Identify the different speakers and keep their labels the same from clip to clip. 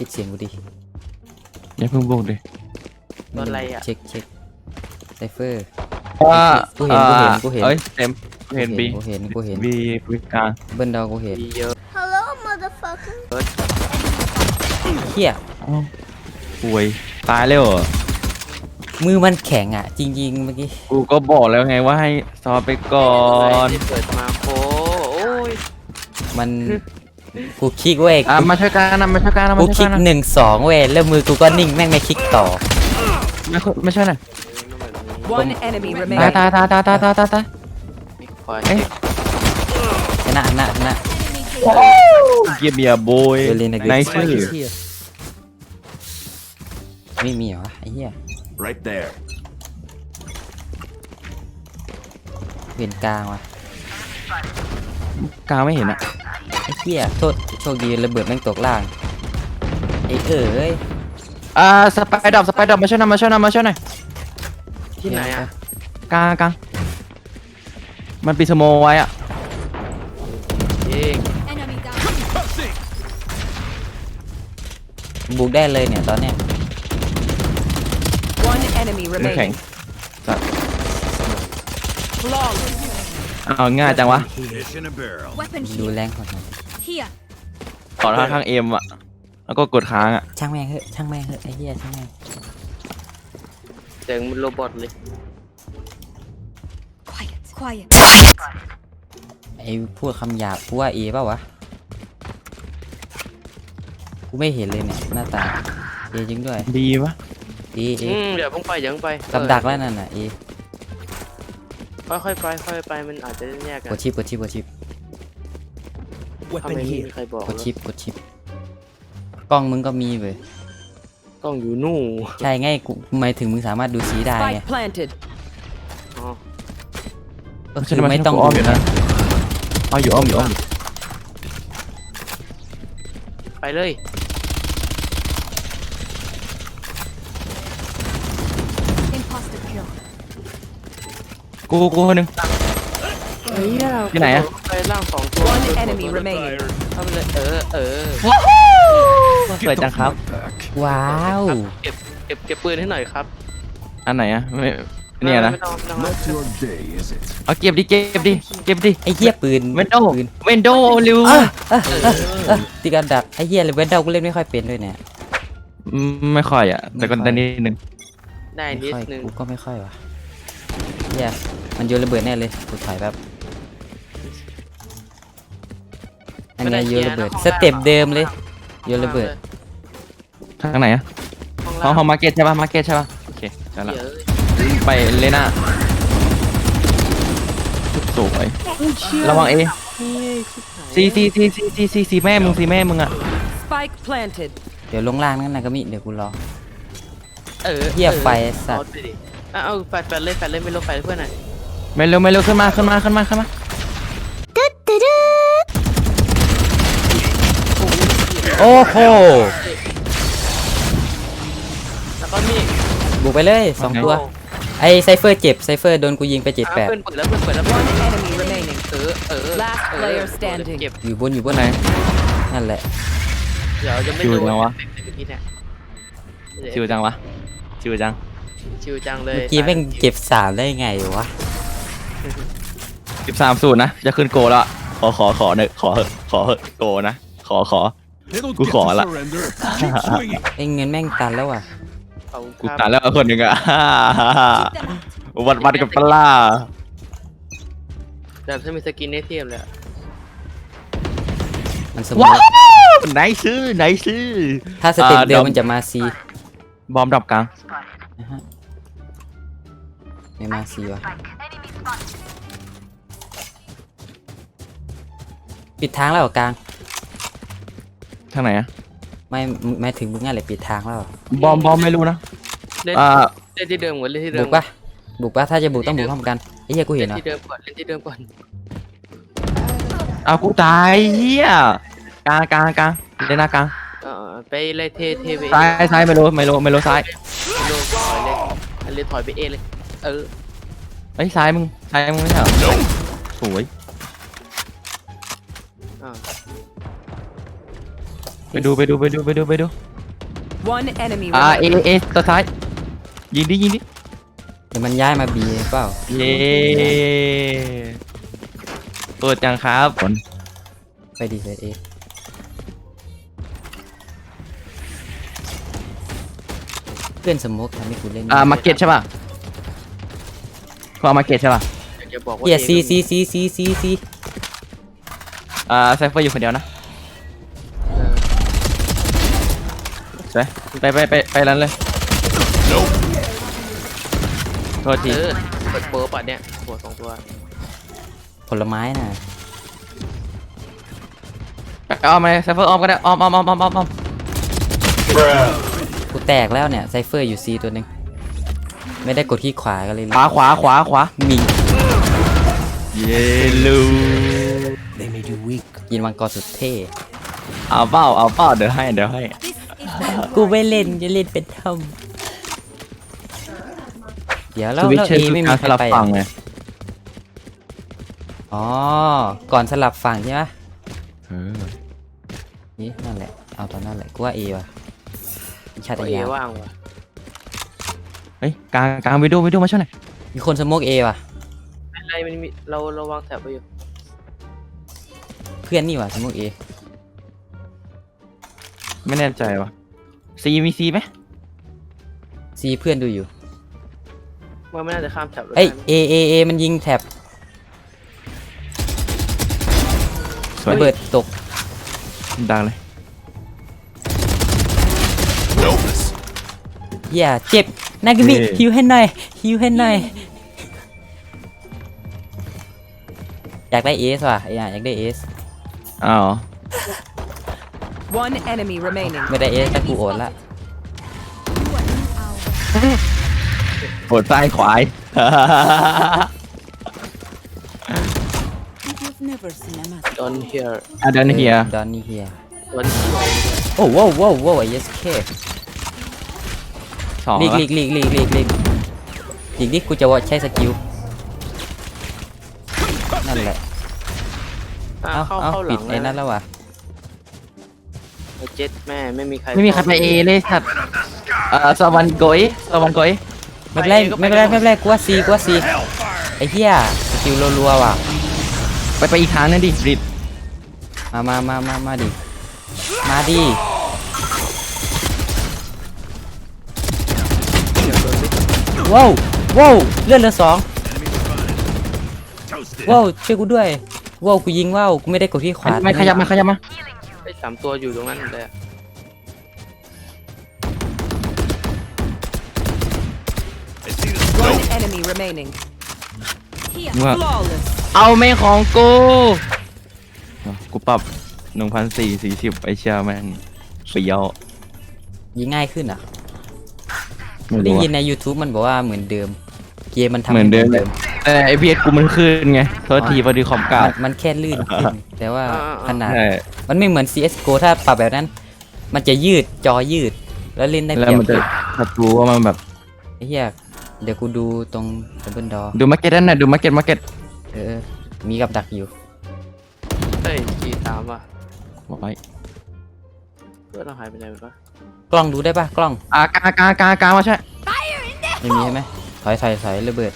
Speaker 1: ปิดเสียงกูดิ
Speaker 2: อย่าเพิ่งบุกดิ
Speaker 3: โดนอะไรอ่ะ
Speaker 1: เช็คไซเฟอร์
Speaker 2: ว่า
Speaker 1: กูเห็น
Speaker 2: เอ้ยเต็มกูเห็นบี
Speaker 1: กูเห็น
Speaker 2: บีบีกลาง
Speaker 1: เบิ้ลดาวกูเห็น
Speaker 3: มีเยอะ
Speaker 4: Hello, motherfucker.
Speaker 1: เฮีย
Speaker 2: อ้าวป่วยตายแล้วเหรอ
Speaker 1: มือมันแข็งอ่ะ จริงๆเมื่อกี้
Speaker 2: กูก็บอกแล้วไงว่าให้ซอฟไปก่อน
Speaker 3: เปิดมาโคโอ้ย
Speaker 1: มันกูคลิกเว้ย
Speaker 2: มาช่วยกันนะมาช่วยกันนะ
Speaker 1: กู
Speaker 2: มา
Speaker 1: ค
Speaker 2: ช่
Speaker 1: ลิ
Speaker 2: วย
Speaker 1: ก
Speaker 2: กันนะ
Speaker 1: 1-2เว้ยแล้วมือกูก็นิ่งแม่งไม่คลิกต่อ
Speaker 2: ไม่ช่วยหน่อย
Speaker 5: One enemy
Speaker 2: ตาย
Speaker 5: remaining.
Speaker 2: ตายตายตายตายตายตายตาย
Speaker 3: มีคอย
Speaker 2: เอ๊ะ
Speaker 1: ชนะ
Speaker 2: เกียร์เบียร์โบย
Speaker 1: เดี๋ยวเล่นใน
Speaker 2: ไน
Speaker 1: เก
Speaker 2: ซ์ชื่อ
Speaker 1: ไม่มีเหรอไอ้เหี้ย
Speaker 6: Right there.
Speaker 1: เวียนกลางว่ะ
Speaker 2: กลางไม่เห็นอะ
Speaker 1: ไอ้เหี้ยโทษโชคดีระเบิดแม่งตกล่างไอ้เอ้ย
Speaker 2: สไปดอบมาช่วยหน่อยมาช่วยหน่อยมาช่วยหน่อย
Speaker 3: ที่ไหนอ่ะ
Speaker 2: กลางกลางมันปีสโมไว้อะ
Speaker 3: เอง
Speaker 4: Enemy down.
Speaker 1: บุกได้เลยเนี่ยตอนเนี้ย
Speaker 5: One enemy
Speaker 2: มือแข็ง
Speaker 5: remaining. Flawless.
Speaker 2: เอาง่ายจังวะ
Speaker 6: Fish in a barrel.
Speaker 4: Weapon
Speaker 1: ดู
Speaker 4: here.
Speaker 1: แรงก่อนหน่อย
Speaker 4: Here.
Speaker 2: ต่อข้างเอ็มอะแล้วก็กดค้างอะ
Speaker 1: ช่างแม่งเถอะไอ้เหี้ยช่างแม่ง
Speaker 3: เสียงมันโรบอทเลย
Speaker 4: Quiet.
Speaker 1: ไอ้พูดคำหยาบกูว่าเอเปล่าวะกูไม่เห็นเลยเนี่ยหน้าตาเอจริงด้วย
Speaker 2: ดีปะ
Speaker 1: เอ
Speaker 3: เดี๋ยวเพิ่งไปเดี๋ยวเพิ่งไป
Speaker 1: กับดักแล้วนั่นน่ะเอ
Speaker 3: ค่อยๆไปค่อยๆไปมันอาจจะแยกกัน
Speaker 1: กดชิป
Speaker 3: ทำไมไม่มีใครบอก
Speaker 1: กดชิปกล้องมึงก็มีเว้ย
Speaker 3: กล้องอยู่นู่น
Speaker 1: ใช่ไงกูหมายถึงมึงสามารถดูสีได้ไง
Speaker 5: Spike planted.
Speaker 3: อ๋อ
Speaker 1: ก็คือไม่ต้อง
Speaker 2: อ้อม
Speaker 1: ดู
Speaker 2: อยู่นะอ้อมอยู่
Speaker 3: ไปเลย
Speaker 4: Imposter kill.
Speaker 2: กูคนหนึ่ง ที่ไหนอะ
Speaker 3: ไปล่างสองตัว
Speaker 5: One enemy remaining.
Speaker 3: ทำเลยเออ
Speaker 2: สวยจังครับ
Speaker 1: ว้าว
Speaker 3: เก็บปืนให้หน่อยครับ
Speaker 2: อันไหนอะไม่เนี่ยนะ
Speaker 3: ไม่ต้อง
Speaker 6: Not your day, is it?
Speaker 2: เอาเก็บดิ
Speaker 1: ไอ้เหี้ยปืน
Speaker 2: เวนโด
Speaker 1: ปืน
Speaker 2: เวนโดเร็ว
Speaker 1: ตีกันดักไอ้เหี้ยเลยเว้นเดากูเล่นไม่ค่อยเป็นด้วยเนี่ย
Speaker 2: ไม่ค่อยอะแต่ก็ได้นิดนึง
Speaker 3: ได้
Speaker 1: ไม่
Speaker 3: นิด
Speaker 1: ค่อย
Speaker 3: นึง
Speaker 1: กูก็ไม่ค่อยว่ะเหี้ยมันโยนระเบิดแน่เลยกูถอยแบบอันเนี้ยโยนระเบิดสเต็ปเดิมเลยโยนระเบิด
Speaker 2: ทางไหนอะห้องมาร์เก็ตใช่ป่ะโอเคใช่ละ
Speaker 3: เดี๋ยว
Speaker 2: ไปเลยนะสวยระวังเอซีแม่มึงอะ
Speaker 5: Spike planted.
Speaker 1: เดี๋ยวลงล่างนั่นนะก็มีเดี๋ยวกูรอ
Speaker 3: เ
Speaker 1: เหี้ยไฟสัตว์
Speaker 3: เอาไปดิเอาแฟดเลยไม่ลงแฟดเพื่อนหน่อย
Speaker 2: ไม่เร็วขึ้นมา
Speaker 1: โอ้โห
Speaker 3: แล้วก็มี
Speaker 1: บุกไปเลย2ตัวไอ้ไซเฟอร์เจ็บไซเฟอร์โดนกูยิงไป
Speaker 3: เพื่อนเปิดแล้ว
Speaker 5: One enemy remaining.
Speaker 3: ลาก
Speaker 5: Last player standing
Speaker 3: เก็บ
Speaker 1: อยู่บนไหนนั่นแหละ
Speaker 3: เดี๋ยวจะไม่
Speaker 2: ชิว
Speaker 3: โดน
Speaker 2: จังวะ
Speaker 3: เมื่อกี้เนี่ย
Speaker 2: ชิวจังวะชิวจัง
Speaker 3: ชิวจังเลย
Speaker 1: เมื่อกี้แม่งเก็บ3ได้ไงวะ
Speaker 2: 13-0นะจะขึ้นโกแล้วขอเนอะขอเหอะโกนะขอ
Speaker 6: It'll
Speaker 2: Cú
Speaker 6: get
Speaker 2: khỏ
Speaker 6: to
Speaker 2: lắm.
Speaker 6: surrender. Keep swinging.
Speaker 1: ไอ้เงินแม่งตันแล้วอ่ะ
Speaker 3: ขอบคุณ
Speaker 2: กู
Speaker 3: ครับ
Speaker 2: ตายแล้วคนหนึ่งอะ
Speaker 4: Keep them out.
Speaker 2: วัดกับปลา
Speaker 3: แบบถ้ามีสกินได้เทียบเลยอะ
Speaker 1: มันสมม
Speaker 2: ว้า
Speaker 1: ติ
Speaker 2: วไหนซื้อ
Speaker 1: ถ้าสเต็ปเดิมมันจะมา C
Speaker 2: บอมดับกลาง
Speaker 1: นะฮะไม่มา C วะปิดทางแล้วเหรอกลาง
Speaker 2: ทางไหนอะ
Speaker 1: ไม่ถึงมึงงั้นเลยปิดทางแล้วเหรอบ
Speaker 2: อมไม่รู้นะ
Speaker 3: เล่น
Speaker 2: อ่า
Speaker 3: เล่นที่เดิมก่อนเล่นที่เดิ
Speaker 1: บุ
Speaker 3: ม
Speaker 1: กปะถ้าจะบุกต้องบุกพร้อมกันไอ้เหี้ยกูเห็
Speaker 3: เล่
Speaker 1: น
Speaker 3: น
Speaker 1: เหรอ
Speaker 3: ที่เดิมก่อนเล่นที่เดิมก่อน
Speaker 2: เอากูตายเฮียกลางเล่นหน้ากลาง
Speaker 3: ไปเลยเทไป
Speaker 2: ซ้ายไม่รู้ซ้าย
Speaker 3: ลงถอยเลยอันเลยถอยไปเอเลย
Speaker 2: ไอ้ซ้ายมึงไม่ใช่เหรอสวย
Speaker 3: อ่า
Speaker 2: ไปดู
Speaker 5: One enemy
Speaker 2: เอ
Speaker 5: remaining.
Speaker 2: เอตัวท้ายยิงดิ
Speaker 1: เดี๋ยวมันย้ายมาบีเปล่า
Speaker 2: เย้เปิดจังครับผล
Speaker 1: ไปดีเซตเอเพื่อนสมมติทำให้กูเล่น
Speaker 2: มาเก็ตใช่ป่ะเขาเอามาเก็ตใช่ป่ะ
Speaker 3: อยากจะบอกว่า
Speaker 1: เฮีย
Speaker 3: A
Speaker 1: ซี
Speaker 2: ไซเฟอร์อยู่คนเดียวนะ
Speaker 3: เออ
Speaker 2: ไปนั้นเลยโทษที
Speaker 3: เปิดเปิร์ปะเนี่ยหัวสองตัว
Speaker 1: ผลไม้น่ะ
Speaker 2: เอามาไซเฟอร์ออมก็ได้ออม
Speaker 1: กูแตกแล้วเนี่ยไซเฟอร์อยู่ซีตัวหนึ่งไม่ได้กดที่ขวาก็เลย
Speaker 2: ขวา
Speaker 1: มิง
Speaker 2: เยลู
Speaker 6: They made you weak.
Speaker 1: กินมังกรสุดเท่
Speaker 2: เอาเป้าเดี๋ยวให้
Speaker 4: This is my
Speaker 1: กูไม่เล่นจะเล่นเป็นทอมเดี๋ยว
Speaker 2: ส
Speaker 1: แล้ว
Speaker 2: วิตช์
Speaker 1: เอ
Speaker 2: เชอร์
Speaker 1: ไม่มี
Speaker 2: การ
Speaker 1: ใค
Speaker 2: ส
Speaker 1: ร
Speaker 2: ลับ
Speaker 1: ไป
Speaker 2: ฝั่งไง
Speaker 1: อ๋อก่อนสลับฝั่งใช่ไหม
Speaker 2: เออ
Speaker 1: นี่นั่นแหละเอาตอนนั่นแหละกูว่าเอว่ะชาติ
Speaker 3: ตัวเอย
Speaker 1: า
Speaker 3: ว่างว่ะ
Speaker 2: เฮ้ยกลางวิดีโอมาช่วยหน่อย
Speaker 1: มีคนสโมกเอว่ะ
Speaker 3: ไม่เป็นไรมันมีเราวางแถบไว้อยู่
Speaker 1: เพื่อนนี่ว่ะสโมกเอ
Speaker 2: ไม่แน่ใจว่ะมีซีไหม
Speaker 1: ซีเพื่อนดูอยู่
Speaker 3: ว่าไม่น่าจะข้ามแถบเลย
Speaker 1: เอ้ยเอมันยิงแถบ
Speaker 2: สวย
Speaker 1: ระเบิดตก
Speaker 2: ดังเลย
Speaker 6: Notice.
Speaker 1: อย่าเจ็บนากามิฮิวให้หน่อยอยากได้เอสว่ะอยากได้เอส
Speaker 2: อ้าว
Speaker 5: One enemy remaining.
Speaker 1: ไม่ได้เอสแต่กูโอดละ
Speaker 2: โหดซ้ายขวาย
Speaker 4: You've never seen a mask.
Speaker 3: ดอนเฮียร์
Speaker 2: เดินเฮีย
Speaker 1: ดอนนี่เฮีย
Speaker 3: ดอนเฮียร์
Speaker 1: โอ้ว้าวไอ้เอสเค
Speaker 2: สอง
Speaker 1: ลีก
Speaker 2: แล้ว
Speaker 1: ดิกูจะว่าใช้สกิลนั่นแหละ
Speaker 3: เข้าหลั
Speaker 1: ปิด
Speaker 3: ง
Speaker 1: ไอ้นั่นแล้วว่ะ
Speaker 3: ไอ้เจ็ดแม่ไม่มีใคร
Speaker 2: ไม่มีใครไปเอเลยครับสวรรค์โกย
Speaker 1: ไม่เป็นไรกูว่าซีไอ้เหี้ยสกิลรัวๆว่ะ
Speaker 2: ไปอีกทางนึงดิริด
Speaker 1: มาดิว้าวเลื่อนเหลือ2
Speaker 6: Toasted.
Speaker 1: ว้าวช่วยกูด้วยว้าวกูยิงว้าวกูไม่ได้กดที่ขวา
Speaker 2: ไม่ขยับมา
Speaker 3: ไอ้3ตัวอยู่ตรงนั้นเลยอะ
Speaker 6: I see the
Speaker 5: One enemy remaining.
Speaker 4: Here.
Speaker 2: ว่า
Speaker 5: Flawless.
Speaker 2: เอาไม่ของกูปรับ 1,440ไอเชียแม่งเปียว
Speaker 1: ยิงง่ายขึ้นอ่ะ
Speaker 2: ไม่
Speaker 1: ได้
Speaker 2: รู้
Speaker 1: ยิน
Speaker 2: อะ
Speaker 1: ใน YouTube มันบอกว่าเหมือนเดิมเกมมันทำ
Speaker 2: เหมือนเดิม
Speaker 1: ให้
Speaker 2: แต่ไอพีเอสกูมันขึ้นไงโทษทีพอดีคอมกาด
Speaker 1: มันแค่ลื่นขึ้นแต่ว่าขนาด
Speaker 2: ใช่
Speaker 1: มันไม่เหมือน CSGO ถ้าปรับแบบนั้น มันจะยืดจอยืดแล้วเล่นได้
Speaker 2: แล้
Speaker 1: เป
Speaker 2: ว
Speaker 1: รียบ
Speaker 2: มันจะศัตรูว่ามันแบบ
Speaker 1: ไอ้เหี้ยเดี๋ยวกูดูตรงดับเบิลดอ
Speaker 2: ดูมาร์เก็ตนั่นน่ะดูมาร์เก็ต
Speaker 1: มีกับดักอยู่
Speaker 3: เฮ้ยG3ว่ะ
Speaker 2: บอกไว้
Speaker 3: เพื่อนเราหายไปไหนวะ
Speaker 1: กล้องดูได้ปะกล้อง
Speaker 2: กามาใช่
Speaker 1: ไม่มีใช่ไหมถอยระเบิด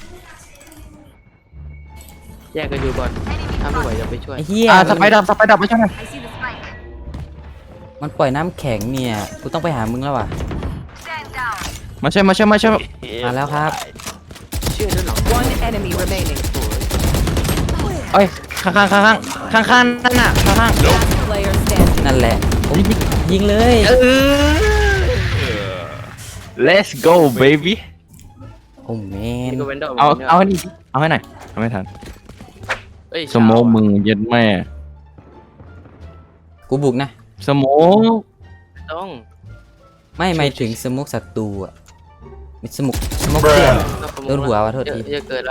Speaker 3: แยกกันอยู่ก่อนถ้าไม่ไหวจะไปช่วย
Speaker 1: ไอ้เหี้ย
Speaker 2: สไปดับมาใช่ไหม
Speaker 4: I see the spike.
Speaker 1: มันปล่อยน้ำแข็งเนี่ยกูต้องไปหามึงแล้วว่ะ
Speaker 2: มาใช่
Speaker 1: มาแล้วครับ
Speaker 3: เชื่อด้วยหรอ
Speaker 5: One enemy remaining.
Speaker 2: เอ้ยข้างนั่นน่ะข้าง
Speaker 5: Player standing.
Speaker 1: นั่นแหละผมยิงเลย
Speaker 2: Let's go baby
Speaker 1: โอ้แมน
Speaker 3: นี่ก็เวนดอร์
Speaker 2: เอาให้นี่เอาให้หน่อยเอาไม่ทัน
Speaker 3: เอ้ย
Speaker 2: สโมกมึงเย็ดแม่
Speaker 1: กูบุกนะ
Speaker 2: สโมก
Speaker 3: ต้อง
Speaker 1: ไม่หมายถึงสมุกศัตรูอ่ะมีสมุกเพื่อนอะ โดนหัวว่ะโทษที
Speaker 3: เยอะเกินละ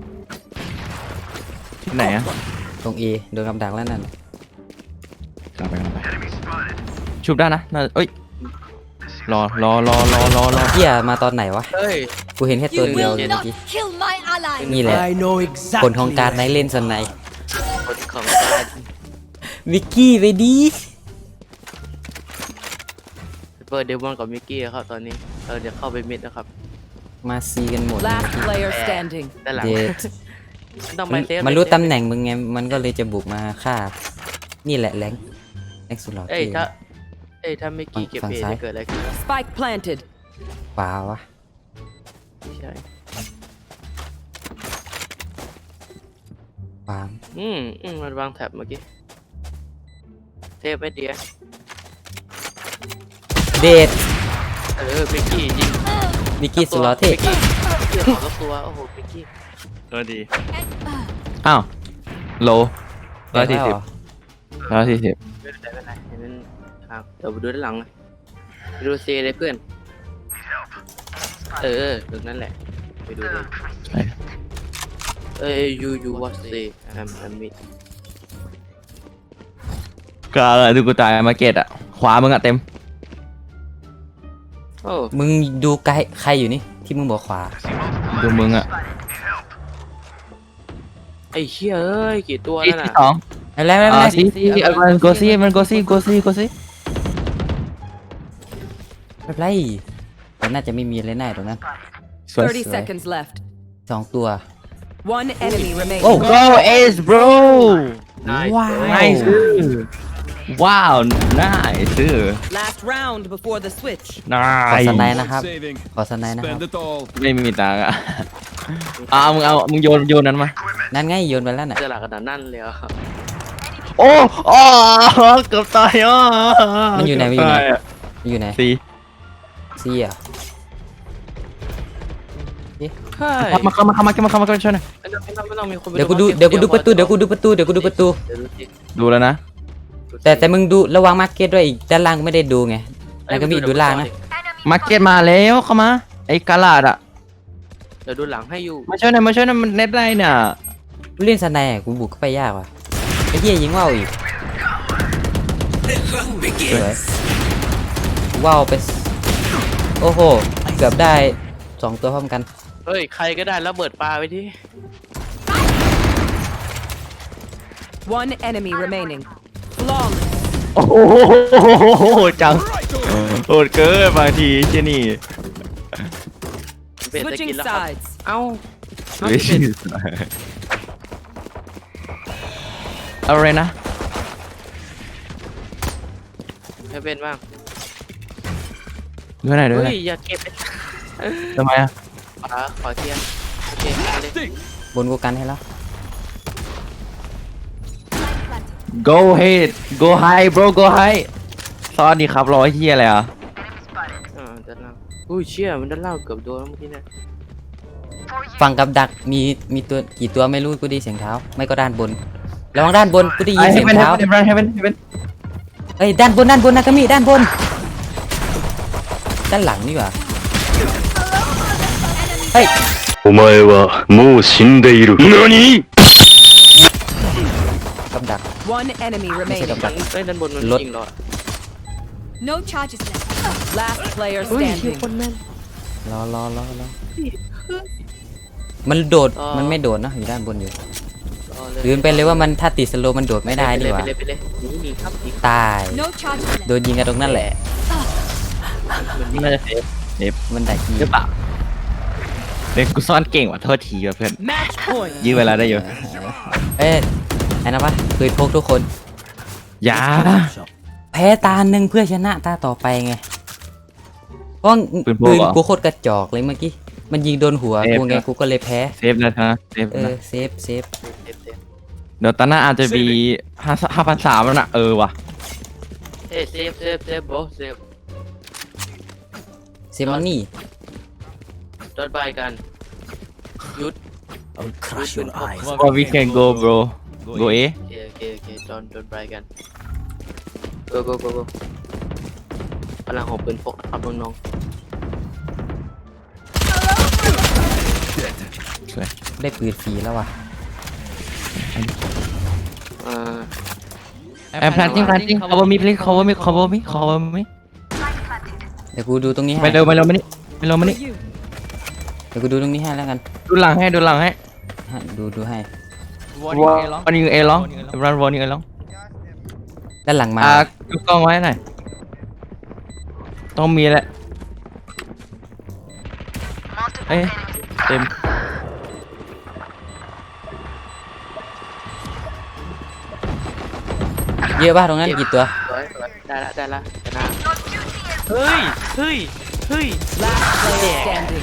Speaker 2: ที่ไหนอะ
Speaker 1: ตรง A โดนกำดักแล้วนั่น
Speaker 2: กลับไปชุบได้นะน่าเอ้ยรอ
Speaker 1: เหี้ยมาตอนไหนวะ
Speaker 3: เฮ้ย
Speaker 1: กูเห็นแค่ตัว
Speaker 4: You
Speaker 1: เดียว
Speaker 4: will
Speaker 1: เลยเมื่อ
Speaker 4: not
Speaker 1: กี้
Speaker 4: kill my ally.
Speaker 1: นี่แหละ
Speaker 6: I know
Speaker 1: ผล
Speaker 6: exactly.
Speaker 1: ของการในเล่นสไน
Speaker 3: กดของการ
Speaker 1: วิกกี้ไปดี
Speaker 3: เปิดเดมอนกับมิกกี้ครับตอนนี้เราจะเข้าไปมิดนะครับ
Speaker 1: มาซีกันหมดเลย
Speaker 5: Last player standing.
Speaker 3: ด้านหลัง
Speaker 1: เด็ด
Speaker 3: ต้องไปเซฟ
Speaker 1: มันรู้
Speaker 3: เซฟ
Speaker 1: ตำแหน่งมึงไงมันก็เลยจะบุกมาฆ่านี่แหละแรงสุดหล่อ
Speaker 3: เอ้ย
Speaker 1: เท่
Speaker 3: ถ้ามิกกี้เก็บ
Speaker 1: ฝั่ง
Speaker 3: เอ
Speaker 1: ซ้าย
Speaker 3: จะเกิดอะไรขึ้น
Speaker 5: Spike planted.
Speaker 1: ขวาวะ
Speaker 3: ไม่ใช่
Speaker 1: ขวา
Speaker 3: มันวางแท็บเมื่อกี้เทปไม่เดีย
Speaker 1: เด็ด
Speaker 3: มิกกี้ยิง
Speaker 1: มิกกี้สุดหล่อเท่
Speaker 3: มิกกี้ขอตัวโอ้โหมิกกี้
Speaker 2: ตัวดีอ้าวโล140
Speaker 1: แล้วเหรอ
Speaker 2: 140
Speaker 3: ไม่เป็นไรเห็นนั้นครับเดี๋ยวไปดูด้านหลังนะไปดูซีเลยเพื่อนตรงนั้นแหละไปดูเลย
Speaker 2: ใช่
Speaker 3: you what say I'm mid
Speaker 2: ก็ดูกูตายมาเก็ตอะขวามึงอะเต็ม
Speaker 3: โอ้
Speaker 1: มึงดูไกลใครอยู่นี่ที่มึงบอกขวา
Speaker 2: ดูมึงอะ
Speaker 3: ไอ้เชี่ยเอ้ยกี่ตัว
Speaker 2: ที่
Speaker 3: แล้วน่ะ
Speaker 2: สอง
Speaker 1: อะไรไม่เป็นไร
Speaker 2: ที่มันโกซี่มันโกซี่
Speaker 1: ไม่เป็นไรมันน่าจะไม่มีอะไรแน่ตรงนั้น
Speaker 2: สวย
Speaker 5: 30 seconds left.
Speaker 1: 2 ตัว
Speaker 5: One enemy remaining.
Speaker 1: โอ้
Speaker 2: go ace bro
Speaker 1: ว้าว
Speaker 2: nice ว้าว nice
Speaker 5: Last round before the switch.
Speaker 1: ขอ
Speaker 2: nice
Speaker 1: สไนด์นะครับ
Speaker 6: Saving.
Speaker 1: ขอสไนด์นะครับ
Speaker 6: Spend it all.
Speaker 2: ไม่มีตังค์อะมึงโยนนั้นมา
Speaker 1: นั่นไงโยนไปแล้วน่ะ
Speaker 3: เจอหลักขนาดนั้นเลยเหรอ
Speaker 2: โอ้เกือบตายอ่ะ
Speaker 1: มันอยู่ไหนมันอยู่ไหนมันอยู่ไหน
Speaker 2: สี่
Speaker 1: ซีอ่ะ
Speaker 3: เฮ้ย
Speaker 2: เข้ามาช่วยหน่อย
Speaker 3: ไม่ต้องมีคนไป
Speaker 1: เดี๋ยวกูดูประตูเดี๋ยวกูดูประตู
Speaker 3: เดี๋ยวดูสิ
Speaker 2: ดูแล้วนะ
Speaker 1: แต่มึงดูระวังมาร์เก็ตด้วยอีกด้านล่างไม่ได้ดูไงแล้วก็มีดูล่างนะ
Speaker 2: มาร์เก็ตมาแล้วเข้ามาไอ้กาลาดอะ
Speaker 3: เดี๋ยวดูหลังให้อยู่
Speaker 2: มาช่วยหน่อยมันเน็ตได้เนี่ย
Speaker 1: กูเล่นสไนด์อะกูบุกเข้าไปยากว่ะไอ้เหี้ยยิงว่าวอีกสวยว่าวไปโอ้โหเกือบได้2 ตัวพร้อมกัน
Speaker 3: เฮ้ยใครก็ได้แล้วเบิดปลาไปที่
Speaker 5: One enemy remaining. Flawless.
Speaker 2: โอ้โหจังโหดเกินบางทีเจนี่
Speaker 3: เบ็ดจะกิน
Speaker 5: Switching
Speaker 3: แล้วครับ
Speaker 5: sides.
Speaker 3: เอ้า
Speaker 2: อะไรนะ
Speaker 3: ให้เป็นบ้าง
Speaker 2: ดูไหนดู
Speaker 3: เฮ้
Speaker 2: ไหน
Speaker 3: ยอย่าเก็บไป
Speaker 2: ทำไมอะ
Speaker 3: ปลาขอเทียนโอเคเอาเลย
Speaker 1: บนกูกันให้แล้ว
Speaker 2: go ahead go high bro go high ซอสดีครับรอเฮียอะไรอ่ะ
Speaker 3: ด้านล่างอุ้ยเชี่ยมันด้านล่างเกือบโดนแล้วเมื่อกี้เนี่ย
Speaker 1: ฝั่งกับดักมีตัวกี่ตัวไม่รู้กูได้ยินเสียงเท้าไม่ก็ด้านบนระวังด้านบนกูได้ยินเสียงเท้า
Speaker 2: เฮเว่น
Speaker 1: เอ้ยด้านบนนะกามิด้านบนด้านหลังนี่หว่าเฮ้ย
Speaker 6: お前はもう死んでいる。何？
Speaker 1: กับดัก
Speaker 5: One enemy
Speaker 1: ไม่ใช่
Speaker 5: remaining.
Speaker 1: กับดัก
Speaker 3: ด้านบนมัน
Speaker 1: รถ
Speaker 3: ยิงเรา
Speaker 4: No charges left.
Speaker 5: Last player
Speaker 3: เฮ้ยเชี่ย
Speaker 5: standing.
Speaker 3: คนแม่น
Speaker 1: รอมันโดด
Speaker 3: อ๋อ
Speaker 1: มันไม่โดดนะอยู่ด้านบนอยู่
Speaker 3: รอเลย
Speaker 1: ลืมไปเลยว่ามันถ้าติดสโลว์มันโดดไม่ได้นี่หว่า
Speaker 3: ไปเลยหนีครับหนี
Speaker 1: ตาย
Speaker 4: No charges left.
Speaker 1: โดนยิงกันตรงนั้นแหละ
Speaker 2: น่าจะเซฟ
Speaker 1: มันได้ที
Speaker 2: หรือเปล่าเด็กกูซ่อนเก่งว่ะโทษทีว่ะเพื่อน
Speaker 5: Match point.
Speaker 2: ยื้อเวลาได้อยู่
Speaker 1: เอ้ยไอ้นะวะเคยพกทุกคน
Speaker 2: อย่า
Speaker 1: แพ้ตาหนึ่งเพื่อชนะตาต่อไปไงเพราะ
Speaker 2: ปืนพก
Speaker 1: ปืน
Speaker 2: เหรอ
Speaker 1: กูโคตรกระจอกเลยเมื่อกี้มันยิงโดนหัว
Speaker 2: เซฟ
Speaker 1: กูไง
Speaker 2: นะ
Speaker 1: กูก็เลยแพ้
Speaker 2: เซฟนะเซฟ
Speaker 1: เอ
Speaker 2: นะ
Speaker 1: อเซฟ
Speaker 3: เต็ม
Speaker 2: เดี๋ยวตอนหน้าอาจจะมี5,300แล้วนะว่ะ
Speaker 3: เฮ้ยเซฟโบเซฟ
Speaker 1: เซมอนนี่
Speaker 3: โดนไปกันหยุด
Speaker 6: I'll crush your eyes.
Speaker 2: or we can go bro go A
Speaker 3: โอเคโดนไปกัน go พลังของปืนพกนะครับน้อง
Speaker 1: ได้ปืนฟรีแล้วว่ะ
Speaker 3: ๆ
Speaker 2: I'm planting cover me please cover me
Speaker 1: เดี๋ยวกูดูตรงนี้ให้
Speaker 2: ไม่เร็วมานี่
Speaker 1: เดี๋ยวกูดูตรงนี้ให้แล้วกัน
Speaker 2: ดูหลังให้
Speaker 1: ดูให้
Speaker 2: วันนี้เอร้องรันวันนี้เอร้อง
Speaker 1: ด้านหลังมา
Speaker 2: ดูกล้องไว้หน่อยต้องมีแหละเอ้ยเต็ม
Speaker 1: เยอะป่ะตรงนั้นกี่ตัว
Speaker 3: สวยได้ละชนะ
Speaker 2: เฮ้ยเฮ้ยเฮ้ย
Speaker 5: Last player standing.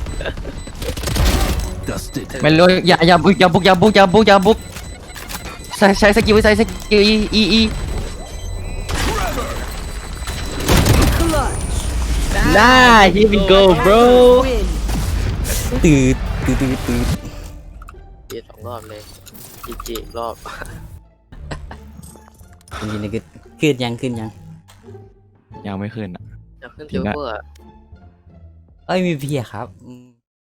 Speaker 2: ไม่รู้อย่าบุกใช้สกิลอีน่า here we go bro
Speaker 5: Win.
Speaker 1: ตืด
Speaker 3: เจ2 รอบเลยจีอีกรอบ
Speaker 1: จริงๆนะขึ้นยัง
Speaker 2: ยังไม่ขึ้นอ่ะ
Speaker 3: จะขึ้นซิลเวอร์
Speaker 1: เอ้ยมีเพียครับ